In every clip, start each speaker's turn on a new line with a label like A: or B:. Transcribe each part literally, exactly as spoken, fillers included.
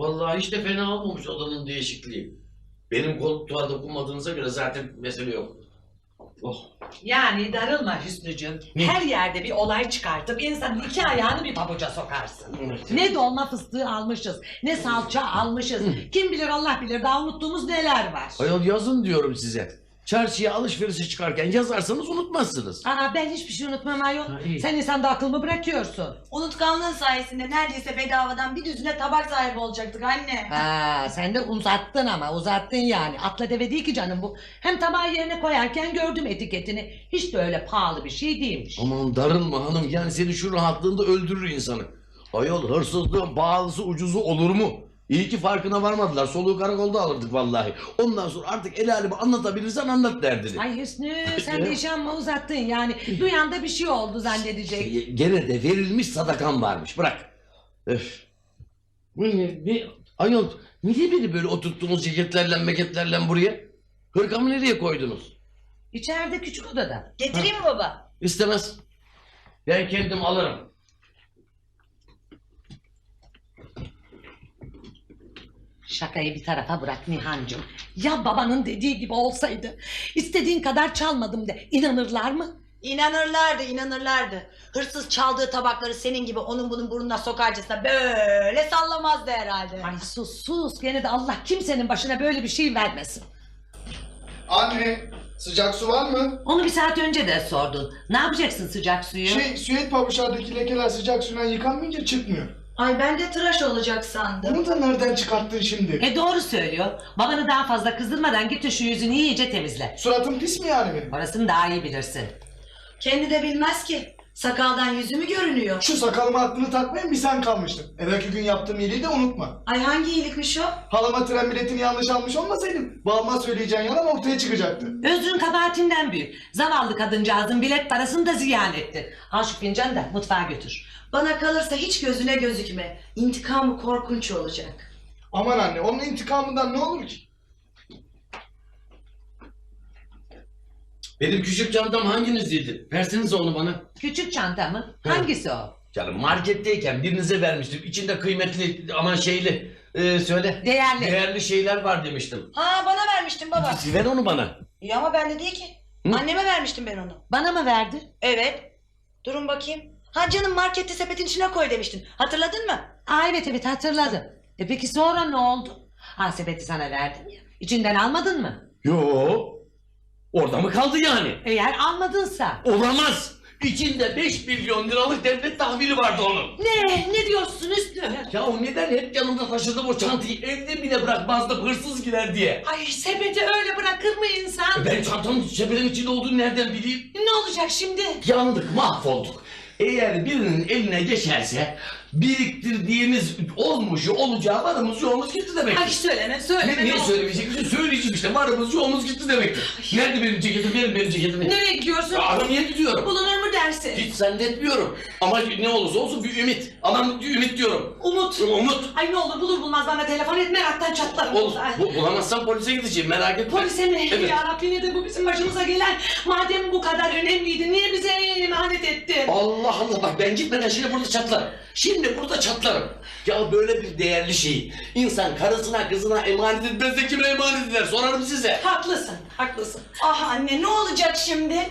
A: Vallahi hiç de fena olmamış odanın değişikliği. Benim koltuğa dokunmadığınıza göre zaten mesele yok. Oh.
B: Yani darılma Hüsnücüğüm. Her yerde bir olay çıkartıp insanın iki ayağını bir pabuca sokarsın.
A: Evet.
B: Ne dolma fıstığı almışız, ne salça almışız. Kim bilir Allah bilir daha unuttuğumuz neler var.
A: Ayol yazın diyorum size. Çarşıya alışverişe çıkarken yazarsanız unutmazsınız.
B: Aa, ben hiçbir şey unutmam ayol.
A: Ha, iyi.
B: Sen insanda akıl mı bırakıyorsun?
C: Unutkanlığın sayesinde neredeyse bedavadan bir düzine tabak sahibi olacaktık anne.
B: Ha, sen de uzattın ama uzattın yani. Atla deve değil ki canım bu. Hem tabağı yerine koyarken gördüm etiketini. Hiç de öyle pahalı bir şey değilmiş.
A: Aman darılma hanım, yani senin şu rahatlığında öldürür insanı. Ayol hırsızlığın pahalısı ucuzu olur mu? İyi ki farkına varmadılar. Soluğu karakolda alırdık vallahi. Ondan sonra artık el alemi anlatabilirsen anlat derdini.
B: Ay Hüsnü sen de işi amma uzattın yani. Duyan da bir şey oldu zannedecek.
A: Şey, gene de verilmiş sadakan varmış. Bırak. Öf. Bu ne? ne? Ayol niye beni böyle oturttunuz ceketlerle meketlerle buraya? Hırkamı nereye koydunuz?
B: İçeride küçük odada.
C: Getireyim mi baba?
A: İstemez. Ben kendim alırım.
B: Şakayı bir tarafa bırak Nihancığım. Ya babanın dediği gibi olsaydı. İstediğin kadar çalmadım de. İnanırlar mı?
C: İnanırlardı, inanırlardı. Hırsız çaldığı tabakları senin gibi onun bunun burnuna sokarcasına böyle sallamazdı herhalde.
B: Ay sus sus. Gene de Allah kimsenin başına böyle bir şey vermesin.
D: Anne, sıcak su var mı?
B: Onu bir saat önce de sordun. Ne yapacaksın sıcak suyu?
D: Şey, süet pabuçlardaki lekeler sıcak suyla yıkanmayınca çıkmıyor.
C: Ay ben de tıraş olacak sandım.
D: Bunu da nereden çıkarttın şimdi?
B: E doğru söylüyor. Babanı daha fazla kızdırmadan git şu yüzünü iyice temizle.
D: Suratım pis mi yani benim?
B: Orasını daha iyi bilirsin.
C: Kendi de bilmez ki. Sakaldan yüzü mü görünüyor?
D: Şu sakalıma aklını takmayan bir sen kalmıştın. Evvelki gün yaptığım iyiliği de unutma.
C: Ay hangi iyilikmiş o?
D: Halama tren biletini yanlış almış olmasaydım babama söyleyeceğin yalan ortaya çıkacaktı.
B: Özrün kabahatinden büyük. Zavallı kadıncağızın bilet parasını da ziyan etti. Al şu fincanı da mutfağa götür.
C: Bana kalırsa hiç gözüne gözükme. İntikamı korkunç olacak.
D: Aman anne, onun intikamından ne olur ki?
A: Benim küçük çantam hanginizdeydi? Versenize onu bana.
B: Küçük çanta mı? Hangisi o?
A: Canım marketteyken birinize vermiştim. İçinde kıymetli aman şeyli e, söyle.
B: Değerli.
A: Değerli şeyler var demiştim.
C: Ha bana vermiştin baba.
A: Ver onu bana.
C: İyi ama bende değil ki.
A: Hı?
C: Anneme vermiştim ben onu.
B: Bana mı verdi?
C: Evet. Durun bakayım. Ha canım markette sepetin içine koy demiştin. Hatırladın mı?
B: Aa evet evet hatırladım. E peki sonra ne oldu? Ha sepeti sana verdim ya. İçinden almadın mı?
A: Yo. Orada mı kaldı yani?
B: Eğer almadınsa.
A: Olamaz. İçinde beş milyon liralık devlet tahvili vardı onun.
B: Ne? Ne diyorsun Üstü?
A: Ya o neden hep yanımda taşıdım o çantayı, evde bile bırakmazdım hırsız girer diye.
B: Ay sepeti öyle bırakır mı insan?
A: E Ben çantanın sepetin içinde olduğunu nereden bileyim?
B: Ne olacak şimdi?
A: Yandık, mahvolduk. Eğer birinin eline geçerse biriktirdiğimiz olmuşu olacağı varımız yoğumuz gitti demektir.
B: Ay söyleme söyleme.
A: Ne, niye
B: olur.
A: söylemeyeceksin? Söyleyeceğim işte, varımız yoğumuz gitti demektir. Nerede benim ceketim? Verin benim ceketimi.
B: Nereye gidiyorsun?
A: Ya aramaya gidiyorum.
B: Bulunur mu dersin?
A: Hiç zannetmiyorum. Ama ne olursa olsun bir ümit. Aman bir ümit diyorum.
B: Umut.
A: Umut.
B: Ay ne olur bulur bulmaz bana telefon et meraktan çatlarım.
A: Olur.
B: Ay.
A: Bu, bulamazsam polise gideceğim, merak etme.
B: Polise mi?
A: Evet.
B: Ya Rabbi nedir bu bizim başımıza gelen? Madem bu kadar önemliydi niye bize emanet ettin?
A: Allah Allah, bak ben gitmeden şimdi burada çatlarım. Şimdi burada çatlarım. Ya böyle bir değerli şeyi insan karısına kızına emanet etmez de kime emanet eder, sorarım size.
B: Haklısın, haklısın.
C: Ah anne ne olacak şimdi?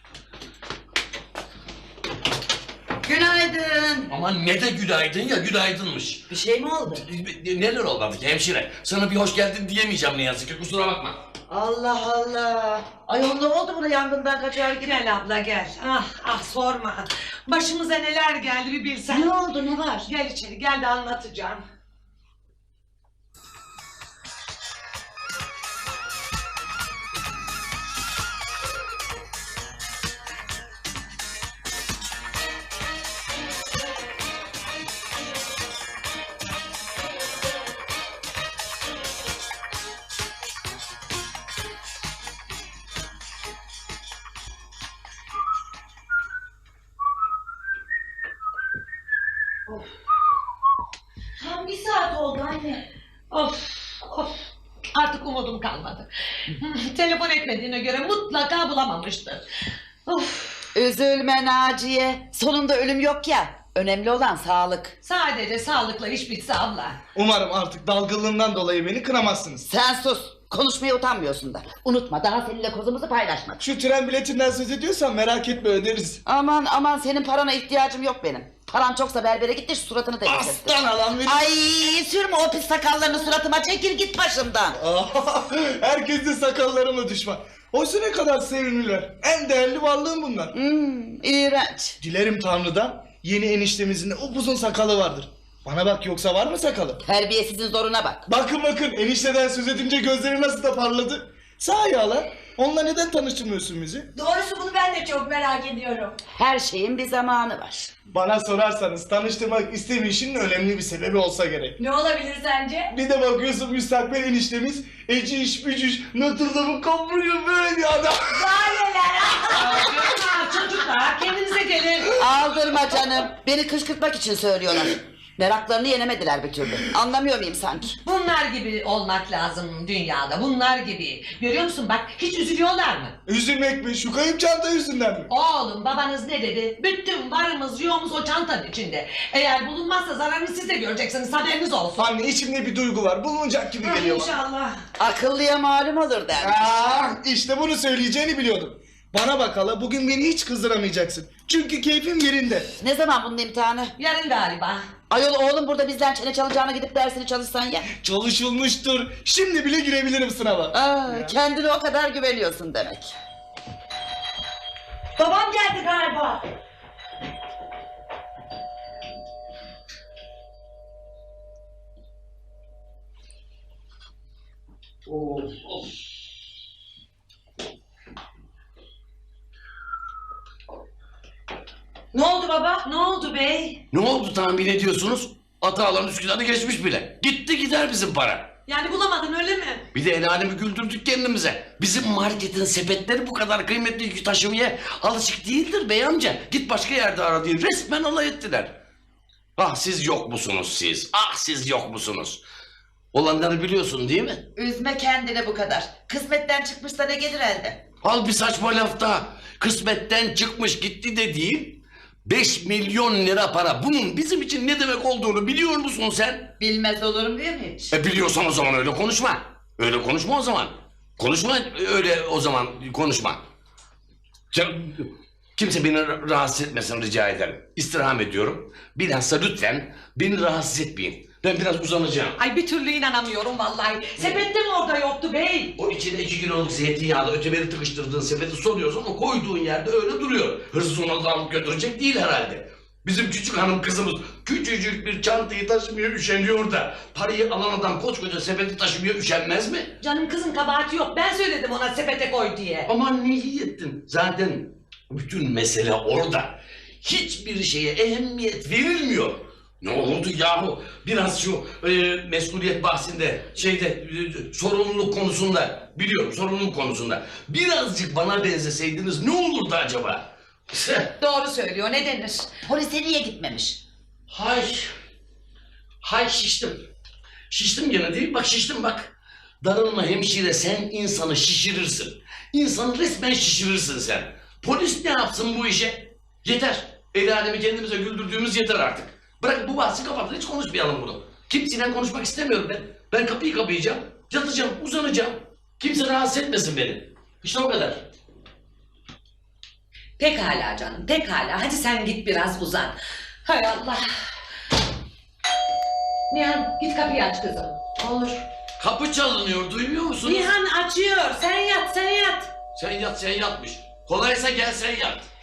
C: Günaydın.
A: Aman ne de günaydın ya, günaydınmış.
C: Bir şey mi oldu?
A: Neler olmadı ki hemşire? Sana bir hoş geldin diyemeyeceğim ne yazık ki, kusura bakma.
C: Allah Allah. Ayol ne oldu buna yangından kaçar gibi?
B: Gel abla gel. Ah ah sorma. Başımıza neler geldi bir bilsen.
C: Ne oldu ne var?
B: Gel içeri gel de anlatacağım.
C: Tam bir saat oldu anne.
B: Of of. Artık umudum kalmadı. Telefon etmediğine göre mutlaka bulamamıştır. Of.
E: Üzülme Naciye. Sonunda ölüm yok ya. Önemli olan sağlık.
B: Sadece sağlıkla iş bitse abla.
D: Umarım artık dalgınlığından dolayı beni kınamazsınız.
E: Sen sus. Konuşmaya utanmıyorsun da. Unutma daha seninle kozumuzu paylaşmadık.
D: Şu tren biletinden söz ediyorsan merak etme öderiz.
E: Aman aman senin parana ihtiyacım yok benim. Paran çoksa berbere git de şu suratını temizlesin.
D: Aslan alan benim.
E: Ay sürme o pis sakallarını suratıma, çekil git başımdan.
D: Herkes de sakallarıma düşman. Oysa ne kadar sevimliler. En değerli varlığım bunlar.
E: Hmm, iğrenç.
D: Dilerim Tanrı'dan yeni eniştemizin de upuzun sakalı vardır. Bana bak, yoksa var mı sakalı?
E: Terbiyesizin zoruna bak.
D: Bakın bakın, enişteden söz edince gözleri nasıl da parladı. Sahi hala, onunla neden tanıştırmıyorsun bizi?
C: Doğrusu bunu ben de çok merak ediyorum.
E: Her şeyin bir zamanı var.
D: Bana sorarsanız tanıştırmak istemeyişinin önemli bir sebebi olsa gerek.
C: Ne olabilir sence?
D: Bir de bakıyorsun müstakbel eniştemiz eciş bücüş Notre kapıyor böyle bir adam.
B: Aa, çocuklar kendinize gelin.
E: Aldırma canım. Beni kışkırtmak için söylüyorlar. Meraklarını yenemediler bir türlü. Anlamıyor muyum sanki?
B: Bunlar gibi olmak lazım dünyada. Bunlar gibi. Görüyor musun bak hiç üzülüyorlar mı?
D: Üzülmek mi? Şu kayıp çanta yüzünden mi?
B: Oğlum babanız ne dedi? Bütün varımız yoğumuz o çantanın içinde. Eğer bulunmazsa zararını siz de göreceksiniz, haberiniz olsun.
D: Anne, içimde bir duygu var. Bulunacak gibi geliyor bana.
B: İnşallah.
E: Akıllıya malum olur dermiş.
D: Ah, işte bunu söyleyeceğini biliyordum. Bana bak hala, bugün beni hiç kızdıramayacaksın. Çünkü keyfim yerinde.
E: Ne zaman bunun imtihanı?
B: Yarın galiba.
E: Ayol oğlum burada bizden çene çalacağına gidip dersini çalışsan ya.
D: Çalışılmıştır. Şimdi bile girebilirim sınava.
E: Aa, kendine o kadar güveniyorsun demek.
C: Babam geldi galiba. Ne oldu baba?
B: Ne oldu bey?
A: Ne oldu tahmin ediyorsunuz? Atalan Üsküdar'ı geçmiş bile. Gitti gider bizim para.
B: Yani bulamadın öyle mi?
A: Bir de el alemi güldürdük kendimize. Bizim marketin sepetleri bu kadar kıymetli yükü taşımaya alışık değildir bey amca. Git başka yerde ara diye resmen alay ettiler. Ah siz yok musunuz siz? Ah siz yok musunuz? Olanları biliyorsun değil mi?
E: Üzme kendini bu kadar. Kısmetten çıkmışsa ne gelir elde?
A: Al bir saçma laf daha. Kısmetten çıkmış gitti de değil. Beş milyon lira para. Bunun bizim için ne demek olduğunu biliyor musun sen?
E: Bilmez olurum değil mi hiç?
A: E biliyorsan o zaman öyle konuşma. Öyle konuşma o zaman. Konuşma öyle o zaman konuşma. Can, kimse beni rahatsız etmesin rica ederim. İstirham ediyorum. Bilhassa lütfen beni rahatsız etmeyin. Ben biraz uzanacağım.
B: Ay bir türlü inanamıyorum vallahi. Sepette mi orada yoktu bey?
A: O içine iki kiloluk zeytinyağlı öteberi tıkıştırdığın sepeti soruyorsun, o koyduğun yerde öyle duruyor. Hırsız onu da alıp götürecek değil herhalde. Bizim küçük hanım kızımız küçücük bir çantayı taşımaya üşeniyor da parayı alan adam koskoca sepeti taşımaya üşenmez mi?
B: Canım kızın kabahati yok. Ben söyledim ona sepete koy diye.
A: Aman ne iyi ettin. Zaten bütün mesele orada. Hiçbir şeye ehemmiyet verilmiyor. Ne oldu yahu? Biraz şu e, mesuliyet bahsinde, şeyde, e, sorumluluk konusunda, biliyorum sorumluluk konusunda. Birazcık bana benzeseydiniz ne olurdu acaba?
B: Doğru söylüyor. Ne denir?
E: Polise niye gitmemiş?
A: Hay, hay şiştim. Şiştim gene değil, bak şiştim bak. Darılma hemşire, sen insanı şişirirsin. İnsanı resmen şişirirsin sen. Polis ne yapsın bu işe? Yeter. El alemi kendimize güldürdüğümüz yeter artık. Bırak bu bahsi kapatın, hiç konuşmayalım bunu. Kimseyle konuşmak istemiyorum ben. Ben kapıyı kapayacağım, yatacağım, uzanacağım. Kimse rahatsız etmesin beni. İşte o kadar.
B: Pekala canım, pekala. Hadi sen git biraz uzan. Hay Allah. Nihan git kapıyı aç kızım.
C: Olur.
A: Kapı çalınıyor, duymuyor musun?
B: Nihan açıyor. Sen yat, sen yat.
A: Sen yat, sen yatmış. Kolaysa gel sen yat.